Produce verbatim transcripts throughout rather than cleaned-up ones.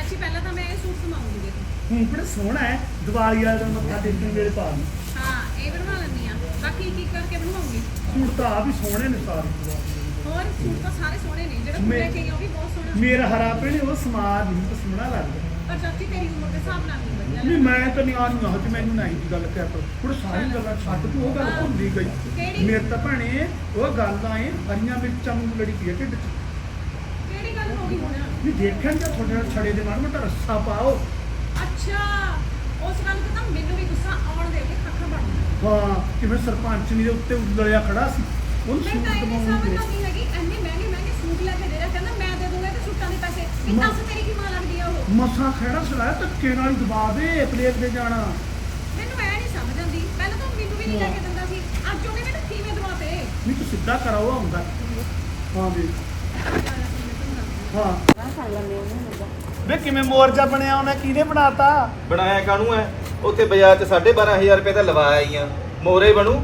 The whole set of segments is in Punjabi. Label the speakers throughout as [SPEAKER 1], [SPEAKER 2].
[SPEAKER 1] ਚਾਚੀ ਪਹਿਲਾਂ ਤਾਂ ਮੈਂ ਇਹ ਸੂਟ ਸਮਾਉਂਗੀ ਦੇਖੋ।
[SPEAKER 2] ਹੁਣ ਬੜਾ ਸੋਹਣਾ ਹੈ, ਦੀਵਾਲੀ ਵਾਲੇ ਦਿਨ ਮੱਥਾ ਟੇਕਣ ਵੇਲੇ ਪਾ ਲਈ।
[SPEAKER 1] ਹਾਂ ਇਹ ਬਣਵਾ ਲੈਂਦੀ ਆ, ਬਾਕੀ ਕੀ ਕਰਕੇ ਬਣਵਾਉਂਗੀ।
[SPEAKER 2] ਸੂਟ ਤਾਂ ਆ ਵੀ ਸੋਹਣੇ ਨੇ ਸਾਰੇ।
[SPEAKER 1] ਹੋਰ ਸੂਟ ਤਾਂ ਸਾਰੇ ਸੋਹਣੇ ਨੇ, ਜਿਹੜਾ ਤੂੰ ਲੈ ਕੇ ਆਈ ਉਹ ਵੀ ਬਹੁਤ ਸੋਹਣਾ।
[SPEAKER 2] ਮੇਰਾ ਹਰਾ ਭੈਣੇ ਉਹ ਸਮਾਜ ਨਹੀਂ ਤਾਂ ਸੋਹਣਾ ਲੱਗਦਾ।
[SPEAKER 1] ਪਰ ਚਾਚੀ ਤੇਰੀ ਉਮਰ ਦੇ ਹਿਸਾਬ ਨਾਲ ਨਹੀਂ ਵਧੀਆ
[SPEAKER 2] ਨਹੀਂ
[SPEAKER 1] ਲੱਗਦਾ।
[SPEAKER 2] ਮੈਂ ਤਾਂ ਨਹੀਂ ਆਣੀ ਆਹ ਤੇ ਮੈਨੂੰ ਨਹੀਂ ਦੀ ਗੱਲ ਕਹਿ ਪਰ ਹੁਣ ਸਾਰੀ ਗੱਲਾਂ ਛੱਡ ਤੂੰ ਉਹ ਗੱਲ ਭੁੱਲੀ ਗਈ।
[SPEAKER 1] ਕਿਹੜੀ?
[SPEAKER 2] ਮੇਰੇ ਤਾਂ ਭੈਣੇ ਉਹ ਗੱਲ ਆਏ ਹਰੀਆਂ ਮਿਰਚਾਂ ਨੂੰ ਲੜੀ ਪਈ ਹੈ ਢਿੱਡ 'ਚ।
[SPEAKER 1] ਕਿਹੜੀ ਗੱਲ ਹੋ ਗਈ ਹੁਣ?
[SPEAKER 2] ਨਹੀਂ ਦੇਖਣ ਜਾਂ ਤੁਹਾਡੇ ਨਾਲ ਛੜੇ ਦੇ ਮਾਰ ਮਟਾ ਰੱਸਾ ਪਾਓ।
[SPEAKER 1] ਅੱਛਾ ਉਸ ਗੱਲ ਤੇ ਤਾਂ ਮੈਨੂੰ ਵੀ ਗੁੱਸਾ ਆਉਣ ਦੇ ਕੇ ਖੱਖਾ ਬਣ ਗਿਆ।
[SPEAKER 2] ਹਾਂ ਕਿਵੇਂ ਸਰਪੰਚ ਦੇ ਉੱਤੇ ਉਲੜਿਆ ਖੜਾ ਸੀ ਉਹਨੂੰ
[SPEAKER 1] ਮੈਂ
[SPEAKER 2] ਸੂਟ
[SPEAKER 1] ਤਾਂ ਇਹ
[SPEAKER 2] ਦਵਾਉਣ
[SPEAKER 1] ਸਮਝ
[SPEAKER 2] ਦੇ।
[SPEAKER 1] ਨਹੀਂ ਹੈਗੀ, ਇੰਨੇ ਮਹਿੰਗੇ ਮਹਿੰਗੇ ਸੂਟ ਲੈ ਕੇ ਦੇ ਰਿਹਾ, ਕਹਿੰਦਾ ਮੈਂ ਦੇ ਦੂੰਗਾ ਤੇ ਸੂਟਾਂ ਦੇ ਪੈਸੇ। ਇਹ ਦੱਸ ਤੇਰੀ ਕੀ ਮਾਂ ਲੱਗਦੀ ਆ ਉਹ?
[SPEAKER 2] ਮਸਾਂ ਖੜਾ ਸਲਾਇਆ ਧੱਕੇ ਨਾਲ ਹੀ ਦਬਾ ਦੇ ਪਲੇਟ ਦੇ ਜਾਣਾ।
[SPEAKER 1] ਮੈਨੂੰ ਐ ਨਹੀਂ ਸਮਝ ਆਉਂਦੀ, ਪਹਿਲਾਂ ਤਾਂ ਮੈਨੂੰ ਵੀ ਨਹੀਂ ਲੈ ਕੇ ਦਿੰਦਾ ਸੀ, ਅੱਜ ਉਹਨੇ ਮੈਨੂੰ ਕਿਵੇਂ ਦਵਾਤੇ?
[SPEAKER 2] ਨਹੀਂ ਤੂੰ ਸਿੱਧਾ ਕਰਾਓ ਆਉਂਦਾ। ਹਾਂ ਵੀ ਹਾਂ ਵੇ ਕਿਵੇਂ ਮੋਰਜਾ ਬਣਿਆ ਉਹਨੇ, ਕਿਹਨੇ ਬਣਾਤਾ?
[SPEAKER 3] ਬਣਾਇਆ ਕਾਹਨੂੰ ਐ? ਉੱਥੇ ਬਾਜ਼ਾਰ 'ਚ ਸਾਢੇ ਬਾਰਾਂ ਹਜ਼ਾਰ ਰੁਪਏ ਦਾ ਲਵਾਇਆ ਹੀ ਆ, ਮੋਰੇ ਬਣੂ।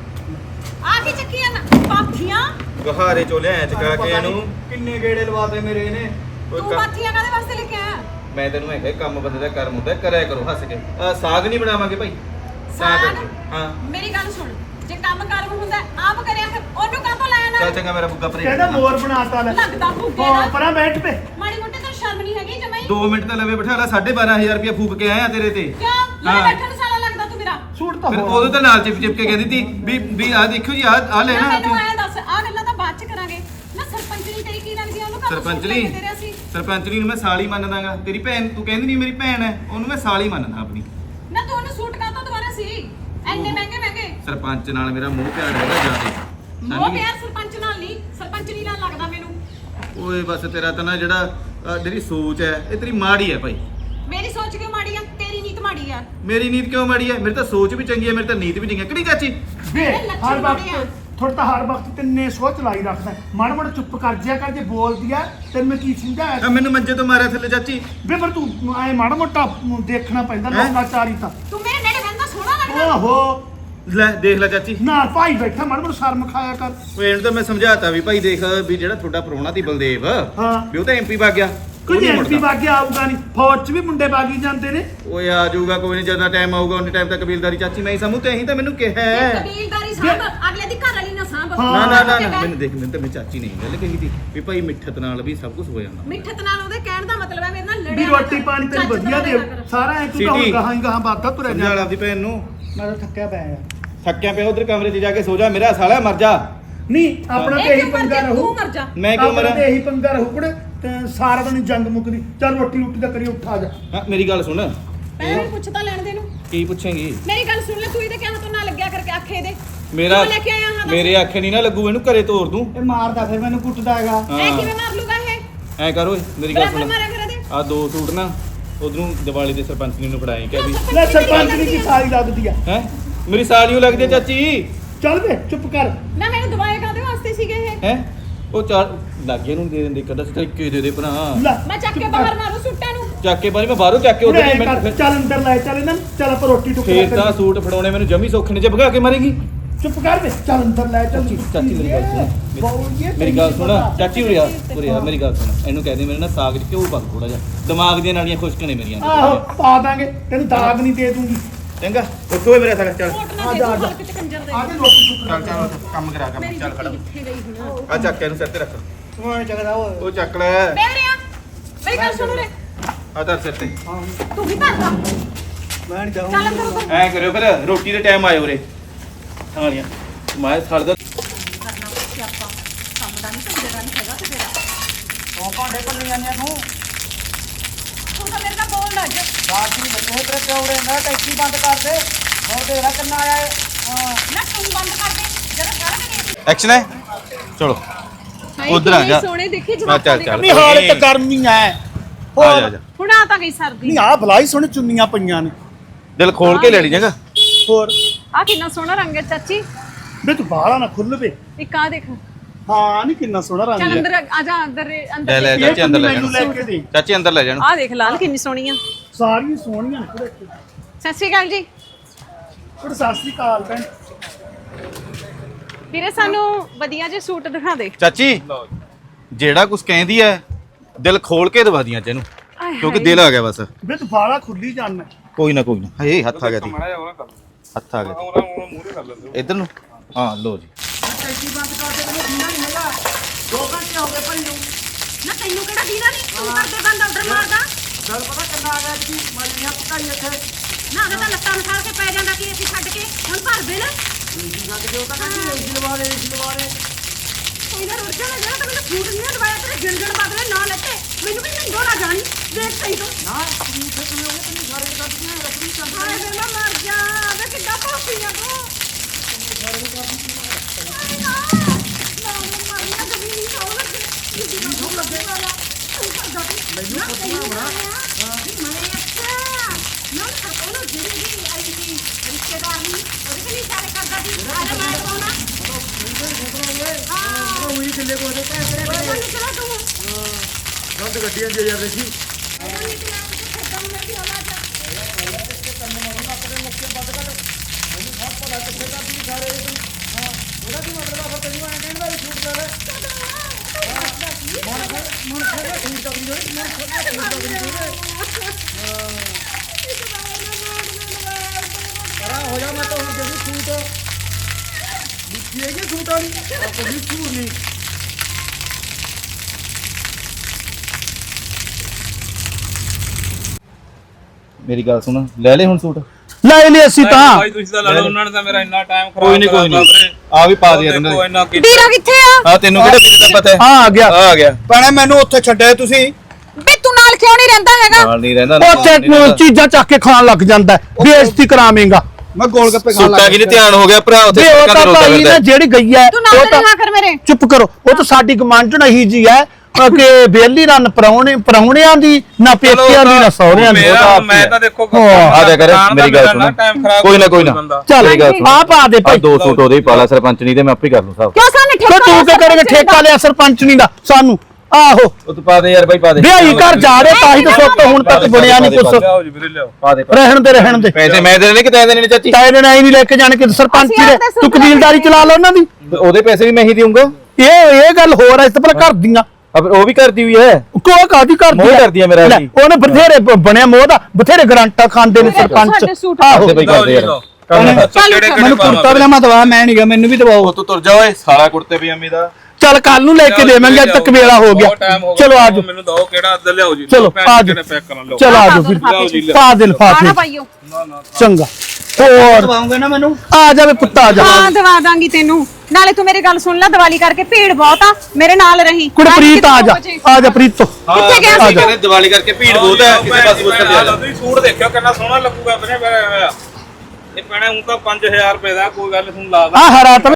[SPEAKER 1] ਆ ਕੀ ਚੱਕੀਆਂ ਨਾ ਪਾਥੀਆਂ?
[SPEAKER 3] ਗਹਾਰੇ ਚੋਂ ਲਿਆਇਆ ਚਕਾ ਕੇ ਇਹਨੂੰ।
[SPEAKER 2] ਕਿੰਨੇ ਗੇੜੇ ਲਵਾਤੇ ਮੇਰੇ ਇਹਨੇ।
[SPEAKER 3] ਕੋਈ
[SPEAKER 1] ਤੂੰ
[SPEAKER 3] ਕੰਮ-
[SPEAKER 1] ਪਾਥੀਆਂ ਕਾਹਦੇ ਵਾਸਤੇ ਲੈ ਕੇ ਆਇਆ?
[SPEAKER 3] ਮੈਂ ਤੈਨੂੰ ਇਹ ਕਿਹਾ ਕੰਮ ਬੰਦੇ ਦਾ ਕਰਮ ਹੁੰਦਾ, ਕਰਿਆ ਕਰੋ ਹੱਸ ਕੇ। ਆ ਸਾਗ ਨਹੀਂ ਬਣਾਵਾਂਗੇ ਭਾਈ?
[SPEAKER 1] ਸਾਗ?
[SPEAKER 3] ਹਾਂ
[SPEAKER 1] ਮੇਰੀ ਗੱਲ ਸੁਣ, ਜੇ ਕੰਮ ਕਰਮ ਹੁੰਦਾ ਆਪ ਕਰਿਆ ਫਿਰ, ਉਹਨੂੰ ਕਾਹਤੋਂ ਲਾਇਆ
[SPEAKER 3] ਚੱਲ
[SPEAKER 1] ਨਾ?
[SPEAKER 3] ਚੰਗਾ ਮੇਰਾ ਬੁੱਗਾ ਭਰੇ।
[SPEAKER 2] ਕਹਿੰਦਾ ਮੋਰ ਬਣਾਤਾ ਲੈ।
[SPEAKER 1] ਲੱਗਦਾ ਭੁੱਖੇ
[SPEAKER 2] ਹਾਂ
[SPEAKER 1] ਨਾ।
[SPEAKER 2] ਪਰਾਂ ਬੈਠ ਪੇ।
[SPEAKER 1] ਮਾੜੀ ਮੋਟੀ ਤਾਂ ਸ਼ਰਮ ਨਹੀਂ ਹੈਗੀ ਜਮਾਈ?
[SPEAKER 3] ਦੋ ਮਿੰਟ ਤਾਂ ਲਵੇ ਬਿਠਾ ਲਾ, ਸਾਢੇ ਬਾਰਾਂ ਹਜ਼ਾਰ ਰੁਪਏ ਫੂਕ ਕੇ ਆਇਆ ਤੇਰੇ ਤੇ।
[SPEAKER 1] ਕਿਉਂ ਲੈ
[SPEAKER 3] ਹਾਂ।
[SPEAKER 1] ਬੈਠਣ ਸਾਲਾ ਲੱਗਦਾ ਤੂੰ ਮੇਰਾ?
[SPEAKER 2] ਸੂਟ ਤਾਂ
[SPEAKER 3] ਫਿਰ
[SPEAKER 2] ਹੋਰ।
[SPEAKER 3] ਉਦੋਂ ਤਾਂ ਨਾਲ ਚਿਪ ਚਿਪ ਕੇ ਕਹਿੰਦੀ ਤੀ ਵੀ ਵੀ ਆਹ ਦੇਖਿਓ ਜੀ ਆਹ ਆਹ
[SPEAKER 1] ਨਾ
[SPEAKER 3] ਲੈਣਾ।
[SPEAKER 1] ਮੈਨੂੰ ਐਂ ਦੱਸ, ਆ ਗੱਲਾਂ ਤਾਂ ਬਾਅਦ ਚ ਕਰਾਂਗੇ ਨਾ। ਸਰਪੰਚਣੀ ਤੇਰੀ ਕੀ ਲੱਗਦੀ ਆ? ਉਹਨੂੰ ਕਾਹਤੋਂ ਸੂਟ
[SPEAKER 3] ਸਰਪੰਚਣੀ
[SPEAKER 1] ਲੈ ਕੇ ਦੇ ਰਿਹਾ ਸੀ?
[SPEAKER 3] ਸਰਪੰਚਣੀ ਨੂੰ ਮੈਂ ਸਾਲੀ ਮੰਨਦਾਗਾ। ਤੇਰੀ ਭੈਣ ਤੂੰ ਕਹਿੰਦੀ ਨਹੀਂ ਮੇਰੀ ਭੈਣ ਹੈ, ਉਹਨੂੰ ਮੈਂ ਸਾਲੀ ਮੰਨਦਾ ਆਪਣੀ।
[SPEAKER 1] ਨਾ ਤੂੰ ਉਹਨੂੰ ਸੂਟ ਕਾਹਤੋਂ ਦਵਾਰਾ ਸੀ ਐਨੇ ਮਹਿੰਗੇ ਮਹਿੰਗੇ?
[SPEAKER 3] ਸਰਪੰਚ ਨਾਲ ਮੇਰਾ ਮੋਹ ਪਿਆਰ ਹੈਗਾ ਜ਼ਿਆਦਾ।
[SPEAKER 1] ਮੋਹ ਪਿਆਰ ਸਰਪੰਚ ਨਾਲ ਨਹੀਂ, ਸਰਪੰਚਣੀ ਨਾਲ ਲੱਗਦਾ ਮੈਨੂੰ।
[SPEAKER 3] ਓਏ ਬਸ ਤੇਰਾ ਤਾਂ ਨਾ ਜਿਹੜਾ ਆਹ ਜਿਹੜੀ ਸੋਚ ਹੈ ਇਹ ਤੇਰੀ ਮਾੜੀ ਹੈ ਭਾਈ।
[SPEAKER 1] ਮੇਰੀ ਸੋਚ ਕਿਉਂ ਮਾੜੀ ਆ? ਤੇਰੀ ਨੀਤ ਮਾੜੀ ਆ।
[SPEAKER 3] ਮੇਰੀ ਨੀਤ ਕਿਉਂ ਮਾੜੀ ਹੈ? ਮੇਰੀ ਤਾਂ ਸੋਚ ਵੀ ਚੰਗੀ ਹੈ, ਮੇਰੀ ਤਾਂ ਨੀਤ ਵੀ ਚੰਗੀ ਹੈ। ਕਿਹੜੀ ਚਾਚੀ?
[SPEAKER 2] ਵੇ
[SPEAKER 1] ਇਹ ਲੱਛਣ
[SPEAKER 2] ਹਰ
[SPEAKER 1] ਬਣੇ ਆ।
[SPEAKER 2] ਵਕਤ ਥੋੜਾ ਤਾਂ ਹਰ ਵਕਤ ਤਿੰਨੇ ਸੋਚ ਲਾਈ ਰੱਖਦਾ। ਮਾੜਾ ਮਾੜਾ ਚੁੱਪ ਕਰ ਜਿਆ ਕਰ, ਜੇ ਬੋਲਦੀ ਆ ਤੈਨੂੰ ਮੈਂ ਕੀ
[SPEAKER 3] ਆ
[SPEAKER 2] ਸਮਝਾਇਆ?
[SPEAKER 3] ਮੈਨੂੰ ਮੰਜੇ ਤੋਂ ਮਾਰਿਆ ਥੱਲੇ ਚਾਚੀ।
[SPEAKER 2] ਵੇ ਪਰ ਤੂੰ ਐ ਮਾੜਾ ਮੋਟਾ ਦੇਖਣਾ ਪੈਂਦਾ
[SPEAKER 3] ਹੈਂ?
[SPEAKER 2] ਲੋਕਾਂ ਚਾਰੀ ਤਾਂ।
[SPEAKER 1] ਤੂੰ ਮੇਰੇ ਨੇੜੇ ਬੰਦਾ ਸੋਹਣਾ ਲੱਗਦਾ।
[SPEAKER 2] ਓਹੋ
[SPEAKER 3] ਲੈ ਦੇਖ ਲੈ ਚਾਚੀ।
[SPEAKER 2] ਨਾਲ ਭਾਈ ਬੈਠਾ ਮਾੜਾ ਮੋਟਾ ਸ਼ਰਮ ਖਾਇਆ ਕਰ।
[SPEAKER 3] ਓਏ ਇਹਨੂੰ ਤਾਂ ਮੈਂ ਸਮਝਾਤਾ ਵੀ ਭਾਈ ਦੇਖ ਵੀ ਜਿਹੜਾ ਤੁਹਾਡਾ ਪ੍ਰਾਹੁਣਾ ਤੀ ਬਲਦੇਵ
[SPEAKER 2] ਹਾਂ।
[SPEAKER 3] ਵੀ ਉਹ ਤਾਂ ਐਮਪੀ ਵਗ ਗਿਆ।
[SPEAKER 2] ਕੋਈ
[SPEAKER 3] ਉਹ ਨਹੀਂ
[SPEAKER 2] ਐਮਪੀ
[SPEAKER 3] ਮੁੜਦਾ।
[SPEAKER 2] ਬਾਗੀ ਆਊਗਾ ਨਹੀਂ, ਫੌਜ 'ਚ ਵੀ ਮੁੰਡੇ ਬਾਗੀ ਜਾਂਦੇ ਨੇ।
[SPEAKER 3] ਓਏ ਆ ਜਾਊਗਾ ਕੋਈ ਨਹੀਂ, ਜਦੋਂ ਟਾਈਮ ਆਊਗਾ ਉਹਨੇ ਟਾਈਮ ਤੱਕ ਕਬੀਲਦਾਰੀ ਚਾਚੀ ਮੈਂ ਹੀ ਸਮੂਹ ਤੇ ਇਹੀ ਤਾਂ ਮੈਨੂੰ ਕਿਹਾ
[SPEAKER 1] ਇਹ
[SPEAKER 3] ਹੈ।
[SPEAKER 1] ਕਬੀਲਦਾਰੀ ਸਾਂਭ, ਅਗਲੇ ਦੀ ਘਰ ਵਾਲੀ ਨਾ ਸਾਂਭ।
[SPEAKER 2] ਹਾਂ।
[SPEAKER 3] ਨਾ ਨਾ ਨਾ
[SPEAKER 1] ਤੇ
[SPEAKER 3] ਨਾ,
[SPEAKER 1] ਕਹਿ-
[SPEAKER 3] ਮੈਨੂੰ ਦੇਖ ਮੈਨੂੰ ਤਾਂ ਮੇਰੀ ਚਾਚੀ ਨਹੀਂ ਗੱਲ ਕਹੀ ਤੀ ਵੀ ਭਾਈ ਮਿੱਠਤ ਨਾਲ ਵੀ ਸਭ ਕੁਝ ਹੋ ਜਾਂਦਾ।
[SPEAKER 1] ਮਿੱਠਤ ਨਾਲ ਉਹਦੇ ਕਹਿਣ ਦਾ ਮਤਲਬ ਹੈ ਮੇਰੇ ਨਾਲ
[SPEAKER 2] ਵੀ
[SPEAKER 1] ਲੜਿਆ ਨਾ
[SPEAKER 2] ਰੋਟੀ
[SPEAKER 1] ਕਰ।
[SPEAKER 2] ਪਾਣੀ ਤੈਨੂੰ
[SPEAKER 1] ਚੱਜ
[SPEAKER 2] ਵਧੀਆ
[SPEAKER 1] ਨਾਲ
[SPEAKER 2] ਦੇ
[SPEAKER 1] ਲੜਿਆ ਕਰ।
[SPEAKER 2] ਸਾਰਾ ਐ ਤੂੰ ਤਾਂ
[SPEAKER 3] ਸਿਟੀ।
[SPEAKER 2] ਗਾਹਾਂ ਹੀ ਗਾਹਾਂ ਬਾਤਾਂ ਤੁਰਿਆ
[SPEAKER 3] ਸਮਝਾ
[SPEAKER 2] ਜਾ।
[SPEAKER 3] ਲਾ ਆਪਦੀ ਭੈਣ ਨੂੰ।
[SPEAKER 2] ਮੈਂ ਤਾਂ ਥੱਕਿਆ ਪਿਆ ਯਾਰ।
[SPEAKER 3] ਥੱਕਿਆ ਪਿਆ ਉਧਰ ਕਮਰੇ 'ਚ ਜਾ ਕੇ ਸੋ ਜਾ, ਮੇਰਾ ਸਾਲਾ ਮਰ ਜਾ।
[SPEAKER 2] ਨਹੀਂ ਆਪਣਾ
[SPEAKER 1] ਇਹ
[SPEAKER 2] ਤੇ ਇਹੀ
[SPEAKER 1] ਕਿਉਂ
[SPEAKER 2] ਪੰਗਾ
[SPEAKER 1] ਮਰ ਜਾ?
[SPEAKER 2] ਰਹੂ।
[SPEAKER 1] ਤੂੰ ਮਰ ਜਾ।
[SPEAKER 3] ਮੈਂ ਕਿਉਂ
[SPEAKER 2] ਆਪਣਾ
[SPEAKER 3] ਮਰਾਂ?
[SPEAKER 2] ਤੇ ਇਹੀ ਪੰਗਾ ਰਹੂ ਕੁੜੇ ਤੇ ਸਾਰਾ ਦਿਨ ਜੰਗ ਮੁੱਕਦੀ। ਚੱਲ ਰੋਟੀ ਰੋਟੀ ਦਾ ਕਰੀ ਉੱਠਾ ਜਾ।
[SPEAKER 3] ਹਾਂ ਮੇਰੀ ਗੱਲ ਸੁਣ।
[SPEAKER 1] ਪਹਿਲਾਂ ਵੀ ਪੁੱਛ ਤਾਂ ਲੈਣ ਦੇ ਨੂੰ।
[SPEAKER 3] ਕੀ ਪੁੱਛੇਂਗੀ?
[SPEAKER 1] ਮੇਰੀ ਗੱਲ ਸੁਣ ਲੈ, ਤੂੰ ਇਹਦੇ ਕਹਿਣ ਤੋਂ ਨਾ ਲੱਗਿਆ ਕਰਕੇ ਆਖੇ ਦੇ।
[SPEAKER 3] ਮੇਰਾ
[SPEAKER 1] ਕਿਉਂ ਲੈ ਕੇ ਆਇਆ ਹਾਂ ਦੱਸ?
[SPEAKER 3] ਮੇਰੇ ਆਖੇ ਨਹੀਂ ਨਾ ਲੱਗੂ, ਇਹਨੂੰ ਘਰੇ ਤੋਰ ਦੂੰ।
[SPEAKER 2] ਇਹ ਮਾਰਦਾ ਫਿਰ ਮੈਨੂੰ ਕੁੱਟਦਾ ਹੈਗਾ।
[SPEAKER 1] ਇਹ ਕਿਵੇਂ ਮਾਰ ਲੂਗਾ ਇਹ?
[SPEAKER 3] ਐ ਕਰ ਓਏ ਮੇਰੀ ਗੱਲ
[SPEAKER 1] ਬਰਾਬਰ
[SPEAKER 3] ਸੁਣ।
[SPEAKER 1] ਮਾਰਿਆ ਕਰ ਇਹਦੇ।
[SPEAKER 3] ਆ ਦੋ ਸੂਟ ਨਾ ਉਧਰੋਂ ਦੀਵਾਲੀ ਦੇ ਸਰਪੰਚਨੀ ਨੂੰ ਫੜਾਏ ਕਿਹਾ ਵੀ
[SPEAKER 2] ਲੈ ਸਰਪੰਚ ਦੀ ਕੀ ਸਾਰੀ ਲੱਗਦੀ ਆ।
[SPEAKER 3] ਹੈ ਮੇਰੀ ਸਾਲੀਓ ਲੱਗਦੀ ਹੈ ਚਾਚੀ।
[SPEAKER 2] ਚੱਲ ਵੇ ਚੁੱਪ ਕਰ।
[SPEAKER 1] ਨਾ ਮੈਨੂੰ ਦਵਾਈ ਕਾਹਦੇ ਵਾਸਤੇ ਸੀਗੇ ਇਹ?
[SPEAKER 3] ਹੈ ਉਹ ਚਾਰ ਲਾਗੇ ਨੂੰ ਦੇ ਦਿੰਦੇ ਕਦਾ ਸਟ੍ਰਿਕੇ ਦੇ ਦੇ ਭਰਾ।
[SPEAKER 2] ਲੈ
[SPEAKER 1] ਮੈਂ ਚੱਕ ਕੇ
[SPEAKER 2] ਚੁੱਪ
[SPEAKER 1] ਬਾਹਰ
[SPEAKER 2] ਕਰ।
[SPEAKER 1] ਮਾਰੂ ਸੂਟਾਂ ਨੂੰ।
[SPEAKER 3] ਚੱਕ ਕੇ ਬਾਰੀ ਮੈਂ ਬਾਹਰੋਂ ਚੱਕ ਕੇ
[SPEAKER 2] ਉਰੇ
[SPEAKER 3] ਉਧਰ
[SPEAKER 2] ਐਂ
[SPEAKER 3] ਮੈਨੂੰ
[SPEAKER 2] ਕਰ,
[SPEAKER 3] ਫਿਰ
[SPEAKER 2] ਚੱਲ ਅੰਦਰ ਲੈ ਚੱਲ ਇਹਨਾਂ ਨੂੰ। ਚੱਲ ਆਪਾਂ ਰੋਟੀ ਟੁੱਕ
[SPEAKER 3] ਫੇਰ ਤਾਂ ਸੂਟ ਫੜਾਉਣੇ ਮੈਨੂੰ ਜਮੀ ਸੌਖੇ ਨੇ, ਜੇ ਭਗਾ ਕੇ ਮਾਰੇਗੀ।
[SPEAKER 2] ਚੁੱਪ ਕਰ ਵੇ ਚੱਲ ਅੰਦਰ ਲੈ ਚੱਲ।
[SPEAKER 3] ਚਾਚੀ ਚਾਚੀ ਮੇਰੀ ਗੱਲ ਸੁਣ
[SPEAKER 2] ਬੋਲੀਏ
[SPEAKER 3] ਮੇਰੀ ਗੱਲ ਸੁਣ ਚਾਚੀ ਉਰੇ ਆ ਉਰੇ ਆ ਮੇਰੀ ਗੱਲ ਸੁਣ। ਇਹਨੂੰ ਕਹਿ ਦੇ ਮੇਰੇ ਨਾਲ ਸਾਗ 'ਚ ਘਿਓ ਪਾ ਥੋੜਾ ਜਿਹਾ, ਦਿਮਾਗ ਦੀਆਂ ਨਾਲੀਆਂ ਖੁਸ਼ਕ ਨੇ ਮੇਰੀਆਂ।
[SPEAKER 2] ਆਹੋ ਪਾ ਦਾਂਗੇ, ਤੈਨੂੰ ਦਾਗ ਨਹੀਂ ਦੇ ਦੂੰਗੀ।
[SPEAKER 3] ਚੰਗਾ ਉੱਠੋ ਓਏ ਮੇਰਾ ਸਾਲਾ ਚੱਲ
[SPEAKER 1] ਕੋਟ
[SPEAKER 2] ਆ
[SPEAKER 1] ਨਾ ਦੇ
[SPEAKER 2] ਜਾ, ਆ
[SPEAKER 1] ਤੂੰ
[SPEAKER 2] ਜਾ।
[SPEAKER 1] ਹਲਕ ਚ ਕੰਜਰ ਦੇ।
[SPEAKER 2] ਆ ਦੇ ਰੋਟੀ ਟੁੱਕ
[SPEAKER 3] ਚੱਲ ਚੱਲ ਕੰਮ ਕਰਾ ਕੰਮ
[SPEAKER 1] ਮੇਰੀ
[SPEAKER 3] ਚੱਲ
[SPEAKER 1] ਜੁੱਤੀ
[SPEAKER 3] ਖੜਾ
[SPEAKER 1] ਕਿੱਥੇ ਗਈ ਹੁਣ?
[SPEAKER 3] ਆ ਚੱਕ ਕੇ ਇਹਨੂੰ ਸਿਰ ਤੇ ਰੱਖ।
[SPEAKER 2] ਤੂੰ ਐਂ ਜਗਦਾ ਓਏ।
[SPEAKER 3] ਉਹ ਚੱਕ ਲੈ
[SPEAKER 1] ਮੈਂ ਉਰੇ ਆ। ਮੇਰੀ ਗੱਲ ਸੁਣ ਉਰੇ।
[SPEAKER 3] ਆ ਧਰ ਸਿਰ ਤੇ।
[SPEAKER 2] ਹਾਂ
[SPEAKER 1] ਤੂੰ ਵੀ ਧਰਦਾ।
[SPEAKER 2] ਮੈਂ ਨਹੀਂ
[SPEAKER 1] ਚੱਲ
[SPEAKER 2] ਜਾਊਂਗਾ।
[SPEAKER 1] ਅੰਦਰ ਉਤਰ।
[SPEAKER 3] ਐ ਕਰਿਓ ਫਿਰ ਰੋਟੀ ਦੇ ਟਾਈਮ ਆਇਓ ਉਰੇ ਥਾਲੀਆਂ ਮੈਂ ਥਾਲ ਦਾ
[SPEAKER 1] ਕਰਨਾ ਕੁਛ ਆਪਾਂ ਕੰਮ ਦਾ ਨਹੀਂ ਸਮਝਦਾ ਨਹੀਂ ਹੈਗਾ ਤੇ ਤੇਰਾ।
[SPEAKER 2] ਉਹ ਭਾਂਡੇ ਭੰਨੀ ਜਾਂਦੇ ਆ ਤੂੰ।
[SPEAKER 1] ਤੂੰ ਤਾਂ ਮੇਰੇ ਨਾਲ ਬੋਲ ਲੱਗ।
[SPEAKER 2] ਰਾਤ ਨੂੰ ਬੱਚੇ ਤੇਰੇ ਚੌੜੇ ਨਾ ਟੈਕਸੀ ਬੰਦ ਕਰ ਦੇ। ਹੋਰ ਦੇਖ ਲੈ ਕਿੰਨਾ ਆਇਆ ਏ। ਹਾਂ
[SPEAKER 1] ਨਾ ਤੂੰ ਬੰਦ ਕਰ ਦੇ ਜਰਾ ਸਾਰਾ ਦਿਨ।
[SPEAKER 3] ਐਕਸ਼ਨ ਹੈ ਚਲੋ ਉਧਰ ਆ ਜਾ।
[SPEAKER 1] ਸੋਹਣੇ ਦੇਖੀ
[SPEAKER 3] ਚੱਲ
[SPEAKER 1] ਜਵਾਕਾਂ ਦੇ
[SPEAKER 3] ਚੱਲ
[SPEAKER 2] ਨਹੀਂ ਹਾਲਤ ਗਰਮੀ ਐ।
[SPEAKER 3] ਆ ਜਾ ਆ ਜਾ
[SPEAKER 1] ਹੁਣ ਆ ਤਾਂ ਗਈ ਸਰਦੀ।
[SPEAKER 2] ਨਹੀਂ ਆ ਭਲਾਈ ਸੋਹਣੀ ਚੁੰਨੀਆਂ ਪਈਆਂ ਨੇ।
[SPEAKER 3] ਦਿਲ ਖੋਲ ਕੇ ਲੈ ਲਈ ਜਗਾ।
[SPEAKER 2] ਹੋਰ
[SPEAKER 1] ਆ ਕਿੰਨਾ ਸੋਹਣਾ ਰੰਗ ਹੈ ਚਾਚੀ।
[SPEAKER 2] ਵੇ ਤੂੰ ਬਾਹਲਾ ਨਾ ਖੁੱਲ ਵੇ।
[SPEAKER 1] ਇੱਕ ਆ ਦੇਖ।
[SPEAKER 2] ਹਾਂ ਨਹੀਂ ਕਿੰਨਾ ਸੋਹਣਾ ਰੰਗ
[SPEAKER 1] ਚੱਲ
[SPEAKER 2] ਹੈ।
[SPEAKER 1] ਅੰਦਰ ਆ ਜਾ ਅੰਦਰ
[SPEAKER 3] ਲੈ
[SPEAKER 1] ਅੰਦਰ
[SPEAKER 3] ਲੈ
[SPEAKER 2] ਇਹ
[SPEAKER 3] ਚਾਚੀ ਅੰਦਰ ਲੈ
[SPEAKER 2] ਮੈਨੂੰ
[SPEAKER 3] ਜਾਣ
[SPEAKER 2] ਲੈ ਕੇ ਦੇ।
[SPEAKER 3] ਚਾਚੀ ਅੰਦਰ ਲੈ ਜਾਣ।
[SPEAKER 1] ਆ ਦੇਖ ਲਾਲ ਕਿੰਨੀ ਸੋਹਣੀ ਆ।
[SPEAKER 2] ਸਾਰੀਆਂ ਸੋਹਣੀਆਂ ਨੇ ਕੁੜੇ।
[SPEAKER 1] ਸਤਿ ਸ਼੍ਰੀ ਅਕਾਲ ਜੀ।
[SPEAKER 2] ਕੁੜੇ ਸਤਿ ਸ੍ਰੀ ਅਕਾਲ ਭੈਣ।
[SPEAKER 1] ਵੀਰੇ ਸਾਨੂੰ ਵਧੀਆ ਜਿਹੇ ਸੂਟ ਦਿਖਾ ਦੇ।
[SPEAKER 3] ਚਾਚੀ ਜਿਹੜਾ ਕੁਝ ਕਹਿੰਦੀ ਐ ਦਿਲ ਖੋਲ ਕੇ ਦਵਾ ਦੀਆਂ ਤੈਨੂੰ। ਕਿਉਂਕਿ ਦਿਲ ਆ ਗਿਆ ਬਸ।
[SPEAKER 2] ਵੇ ਤੂੰ ਬਾਲਾ ਖੁੱਲੀ ਜਾਣਾ।
[SPEAKER 3] ਕੋਈ ਨਾ ਕੋਈ ਨਾ ਹੇ ਹੱਥ ਆ ਗਿਆ ਤੀ
[SPEAKER 4] ਮਾੜਾ ਜਿਹਾ ਉਹਨਾਂ ਕਰ
[SPEAKER 3] ਹੱਥ ਆ ਗਿਆ
[SPEAKER 4] ਉਹਨਾਂ ਉਹਨਾਂ ਮੂਹਰੇ ਕਰ ਲੈਂਦੇ
[SPEAKER 3] ਇੱਧਰ ਨੂੰ ਹਾਂ ਲੋ ਜੀ
[SPEAKER 2] ਟੈਂਕੀ ਬੰਦ ਕਰ ਦੇ ਮੈਨੂੰ ਦੀਨਾ ਨਹੀਂ ਹੈਗਾ। ਦੋ ਘੰਟੇ ਹੋ ਗਏ ਭਾਈ ਨੂੰ।
[SPEAKER 1] ਨਾ ਤੈਨੂੰ ਕਿਹੜਾ ਦੀਨਾ ਨਹੀਂ ਤੂੰ ਕਰਦੇ ਬੰਦ ਆਰਡਰ ਮਾਰਦਾ
[SPEAKER 2] ਗੱਲ ਪਤਾ ਕਿੰਨਾ ਆ ਗਿਆ ਜੀ ਮਾਲੀਆਂ ਪਕਾਈ ਇੱਥੇ।
[SPEAKER 1] ਨਾ ਉਹਦਾ ਤਾਂ ਲੱਤਾਂ ਮਸਾਲ ਕੇ ਪੈ ਜਾਂਦਾ ਕਿ ਅਸੀਂ ਛੱਡ ਕੇ ਹੁਣ ਭਰ ਦੇ ਨਾ
[SPEAKER 2] ਛੱਡ ਕੇ ਉਹ ਤਾਂ ਕਹਿੰਦੀ ਏਸੀ ਲਵਾ ਦੇ ਏਸੀ ਲਵਾ ਦੇ।
[SPEAKER 1] ਕੋਈ ਨਾ ਰੁੜ ਜਾਣਾ ਜਿਹੜਾ ਤਾਂ ਮੈਨੂੰ ਫੂਡ ਨਹੀਂ ਦਵਾਇਆ ਤੇਰੇ ਗਿਣ ਗਿਣ ਬਦਲੇ ਨਾ ਲੱਤੇ ਮੈਨੂੰ ਵੀ ਨਿੰਦੋ ਨਾ ਜਾਣੀ ਦੇਖ ਸਹੀ ਤੂੰ
[SPEAKER 2] ਨਾ ਤੂੰ ਇੱਥੇ ਕਿਵੇਂ ਹੋ ਗਿਆ ਤੈਨੂੰ ਸਾਰੇ ਕੱਢ ਕੇ ਰੱਖਣੀ ਚੰਦ।
[SPEAKER 1] ਹਾਏ ਵੇ ਮੈਂ ਮਰ ਜਾ ਵੇ ਕਿੱਦਾਂ ਭੌਂਕੀ ਆ ਤੂੰ ਹਾਏ ਨਾ ਨਾ ਮੈਂ ਮਰ ਗਿਆ ਜਮੀ ਨਹੀਂ ਸੌ ਲੱਗੇ ਜਿੱਦੀ ਨੂੰ ਸੌ ਲੱਗੇ ਵਾਲਾ ਤੂੰ ਕਰਦਾ ਮੈਨੂੰ ਪਤਾ ਨਾ ਬਣਾ ਮੈਂ ਅੱਛਾ ਨਾ ਕਰ ਉਹਨੂੰ ਜਿਹੜੀ ਵੀ ਆਈ ਸੀ ਰਿਸ਼ਤੇਦਾਰ ਨਹੀਂ ਉਹਦੇ ਲਈ ਸਾਰੇ ਕਰਦਾ ਸੀ ਆਲੇ ਮੈਂ ਕਰਾਉਣਾ ਹਾਂ
[SPEAKER 2] ਉਹੀ ਕਿੱਲੇ ਕੋਲੇ ਪੈਸੇ
[SPEAKER 1] ਉਹ ਨਹੀਂ ਚਲਾ ਤੂੰ
[SPEAKER 2] ਗੰਦ ਗੱਡੀਆਂ ਜੇ ਯਾਰ ਦੇਖੀ।
[SPEAKER 1] ਉਹ ਨਹੀਂ ਚਲਾ ਤੂੰ ਖੱਟਾ ਮੇਰੀ ਆਵਾਜ਼
[SPEAKER 2] ਉਹਦਾ ਕੀ ਮਤਲਬ ਆ ਫਿਰ ਤੈਨੂੰ ਐਂ ਕਹਿੰਦਾ ਵੀ ਛੂਟ ਕਰ ਮਨ ਮਨ ਖੜਾ ਛੂਟ ਕਰ ਦਿਓ ਮਨ ਖੜਾ ਛੂਟ ਕਰ ਦਿਓ। ਕਰਾ ਹੋ ਜਾ ਮੈਂ ਤਾਂ ਹੁਣ ਜਿਹੜੀ ਛੂਟ ਲਿਖੀ ਹੈ ਕਿ ਛੂਟ ਵਾਲੀ ਆ ਕੋਈ ਛੂਟ ਨਹੀਂ।
[SPEAKER 3] ਮੇਰੀ ਗੱਲ ਸੁਣ ਲੈ ਲੈ ਹੁਣ ਸੂਟ
[SPEAKER 2] ਲੈ ਲਈ ਅਸੀਂ
[SPEAKER 4] ਭਾਈ ਤੁਸੀਂ ਤਾਂ ਲੜੋ ਉਹਨਾਂ ਨੇ ਤਾਂ ਮੇਰਾ ਇੰਨਾ ਟਾਈਮ ਖਰਾਬ
[SPEAKER 3] ਕੋਈ ਨਹੀਂ ਕੋਈ ਨਹੀਂ ਆ ਵੀ ਪਾ ਦੇ ਯਾਰ ਉਹਨਾਂ
[SPEAKER 4] ਦੇਖੋ
[SPEAKER 3] ਦੇ
[SPEAKER 4] ਇੰਨਾ ਕੀ
[SPEAKER 1] ਵੀਰਾ ਕਿੱਥੇ ਆ
[SPEAKER 3] ਹਾਂ ਤੈਨੂੰ ਕਿਹੜਾ ਵੀਰੇ ਦਾ ਪਤਾ ਹੈ
[SPEAKER 2] ਹਾਂ ਆ ਗਿਆ
[SPEAKER 3] ਆ ਗਿਆ
[SPEAKER 2] ਭੈਣੇ ਮੈਨੂੰ ਉੱਥੇ ਛੱਡਿਆ ਤੁਸੀਂ।
[SPEAKER 1] ਬੇ ਤੂੰ ਨਾਲ ਕਿਉਂ ਨਹੀਂ ਰਹਿੰਦਾ ਹੈਗਾ
[SPEAKER 3] ਨਾਲ ਨਹੀਂ ਰਹਿੰਦਾ ਨਾਲ
[SPEAKER 2] ਉੱਥੇ
[SPEAKER 3] ਨਹੀਂ ਰਹਿੰਦਾ।
[SPEAKER 2] ਚੀਜ਼ਾਂ ਚੱਕ ਕੇ ਖਾਣ ਲੱਗ ਜਾਂਦਾ ਹੈ। ਬੇਇੱਜ਼ਤੀ ਕਰਾਵੇਂਗਾ। ਮੈਂ ਗੋਲ ਗੱਪੇ
[SPEAKER 3] ਸੂਟਾਂ ਕੀ ਨੀ ਧਿਆਨ ਹੋ ਗਿਆ ਭਰਾ ਉੱਥੇ
[SPEAKER 2] ਵੇ ਉਹ ਤਾਂ ਭਾਈ ਨਾ ਜਿਹੜੀ ਗਈ ਹੈ
[SPEAKER 1] ਤੂੰ ਨਾਲ
[SPEAKER 2] ਉਹ ਤਾਂ
[SPEAKER 1] ਰਿਹਾ ਕਰ ਮੇਰੇ
[SPEAKER 2] ਚੁੱਪ ਕਰੋ ਉਹ ਤਾਂ ਸਾਡੀ ਗਮਾਂਡਣ ਹੀ ਜੀ ਹੈ ਅਹ ਕਿ ਬੇਲੀ ਰਨ ਪਰਾਉਣੇ ਪਰਾਉਣਿਆਂ ਦੀ ਨਾ ਪੇਕਿਆਂ ਦੀ ਨਾ ਸਹੁਰਿਆਂ ਦੀ।
[SPEAKER 4] ਮੇਰਾ ਮੈਂ ਤਾਂ ਦੇਖੋ
[SPEAKER 3] ਆ ਜਾ ਕਰ ਮੇਰੀ ਗੱਲ ਸੁਣ ਕੋਈ ਨਾ ਕੋਈ ਨਾ
[SPEAKER 2] ਚੱਲ
[SPEAKER 3] ਮੇਰੀ ਗੱਲ ਸੁਣ
[SPEAKER 2] ਆ ਪਾ ਦੇ
[SPEAKER 3] ਆ
[SPEAKER 2] ਭਾਈ।
[SPEAKER 3] ਦੋ ਸੂਟ ਉਹਦੇ ਹੀ ਪਾ ਲਾ ਸਰਪੰਚ ਨਹੀਂ ਤੇ ਮੈਂ ਆਪੇ ਕਰ ਲੂ ਸਾਹਿਬ
[SPEAKER 1] ਕਿਉਂ ਸਾਨੂੰ
[SPEAKER 2] ਕਿਉਂ ਤੂੰ ਕੀ ਕਰੇਗਾ ਠੇਕਾ ਲਿਆ ਸਰਪੰਚਣੀ ਦਾ ਸਾਨੂੰ ਆਹੋ
[SPEAKER 3] ਉਹ ਤੂੰ ਪਾ ਦੇ ਯਾਰ ਬਾਈ ਪਾ ਦੇ
[SPEAKER 2] ਵਿਆਹੀ ਘਰ ਜਾ ਰਹੇ ਤਾਂ ਹੀ ਤਾਂ ਸੁੱਤ ਹੁਣ ਤੱਕ ਬਣਿਆ ਨਹੀਂ ਕੁਛ।
[SPEAKER 4] ਲਿਆਓ ਜੀ ਵੀਰੇ ਲਿਆਓ
[SPEAKER 3] ਪਾ ਦੇ
[SPEAKER 2] ਰਹਿਣ ਦੇ ਰਹਿਣ ਦੇ
[SPEAKER 3] ਪੈਸੇ ਮੈਂ ਦੇਣੇ ਕਿ ਤੈਨੂੰ ਦੇਣੇ ਨੇ ਚਾਚੀ
[SPEAKER 2] ਤਾਏ ਨੇ ਨਹੀਂ ਨਹੀਂ ਲੈ ਕੇ ਜਾਣ ਕਿ ਸਰਪੰਚੀ ਦੇ ਤੂੰ ਕਬੀਲਦਾਰੀ ਚਲਾ ਲਾ ਉਹਨਾਂ ਦੀ।
[SPEAKER 3] ਉਹਦੇ ਪੈਸੇ ਵੀ ਮੈਂ ਹੀ ਦੇਊਂਗਾ
[SPEAKER 2] ਇਹ ਇਹ ਗੱਲ ਹੋਰ ਐ ਇਸ ਪਰ ਘਰ ਦੀਆਂ
[SPEAKER 3] ਅਬ ਉਹ ਵੀ ਕਰਦੀ ਹੋਈ ਹੈ
[SPEAKER 2] ਕੋ ਕਾਦੀ ਕਰਦੀ
[SPEAKER 3] ਮੋਹ ਕਰਦੀ ਆ ਮੇਰਾ
[SPEAKER 2] ਲੈ,
[SPEAKER 3] ਜੀ।
[SPEAKER 2] ਉਹਨੇ ਬਥੇਰੇ ਬ- ਬਣਿਆ ਮੋਹ ਦਾ ਬਥੇਰੇ ਗਰੰਟਾ ਖਾਂਦੇ ਨੇ ਸਰਪੰਚ ਆਹੋ
[SPEAKER 3] ਦੇ ਬਾਈ ਕਰਦੇ ਯਾਰ
[SPEAKER 2] ਮੈਨੂੰ ਕੁੜਤਾ ਪਜਾਮਾ ਦਵਾ ਮੈਂ ਨਹੀਂਗਾ ਮੈਨੂੰ ਵੀ ਦਵਾਓ।
[SPEAKER 3] ਤੂੰ ਤੁਰ ਜਾ ਓਏ ਸਾਰਾ ਕੁੜਤੇ ਪਜਾਮੇ ਦਾ
[SPEAKER 2] ਚੱਲ ਕੱਲ ਨੂੰ ਲੈ ਕੇ ਦੇਵਾਂਗੇ ਅੱਜ ਤੱਕ ਵੇਲਾ ਹੋ ਗਿਆ। ਚਲੋ ਆਜੋ
[SPEAKER 4] ਮੈਨੂੰ ਦੋ ਕਿਹੜਾ ਅੱਧ ਲਿਆਓ ਜੀ
[SPEAKER 2] ਚਲੋ ਆਜੋ
[SPEAKER 4] ਪੈਕ ਕਰਨ ਲਿਆਓ
[SPEAKER 2] ਚਲੋ ਆਜੋ ਫਿਰ ਪਾ ਦੇ ਲਿਫਾਫੇ
[SPEAKER 1] ਪਾਈਓ
[SPEAKER 2] ਚੰਗਾ ਹੋਰ
[SPEAKER 5] ਦਵਾਉਂਗੇ ਨਾ ਮੈਨੂੰ
[SPEAKER 2] ਆ ਜਾਵੇ ਪੁੱਤ ਆ ਜਾ
[SPEAKER 1] ਹਾਂ ਦਵਾ ਦਾਂਗੀ ਤੈਨੂੰ ਨਾਲੇ ਤੂੰ ਮੇਰੀ ਗੱਲ ਸੁਣ ਲੈ ਦੀਵਾਲੀ ਕਰਕੇ ਭੀੜ ਬਹੁਤ ਆ ਮੇਰੇ ਨਾਲ ਰਹੀ
[SPEAKER 2] ਕੁੜੇ ਪ੍ਰੀਤ ਆ ਜਾ ਆ ਜਾ ਪ੍ਰੀਤ ਤੋਂ
[SPEAKER 1] ਕਿੱਥੇ ਗਿਆ ਸੀ
[SPEAKER 3] ਕਹਿੰਦੇ ਦੀਵਾਲੀ ਕਰਕੇ ਭੀੜ ਬਹੁਤ ਹੈ ਕਿਸੇ ਪਾਸੇ ਬਸ ਚੱਲਿਆ ਜਾ
[SPEAKER 4] ਤੁਸੀਂ ਸੂਟ ਦੇਖਿਓ ਕਿੰਨਾ ਸੋਹਣਾ ਲੱਗੂਗਾ ਵੀਰੇ ਮੇਰਾ ਇਹ ਪੈਣਾ ਹੁਣ ਤਾਂ ਪੰਜ ਹਜ਼ਾਰ ਰੁਪਏ ਦਾ ਕੋਈ ਗੱਲ ਤੁਹਾਨੂੰ ਲਾ
[SPEAKER 2] ਆ ਹਰਾ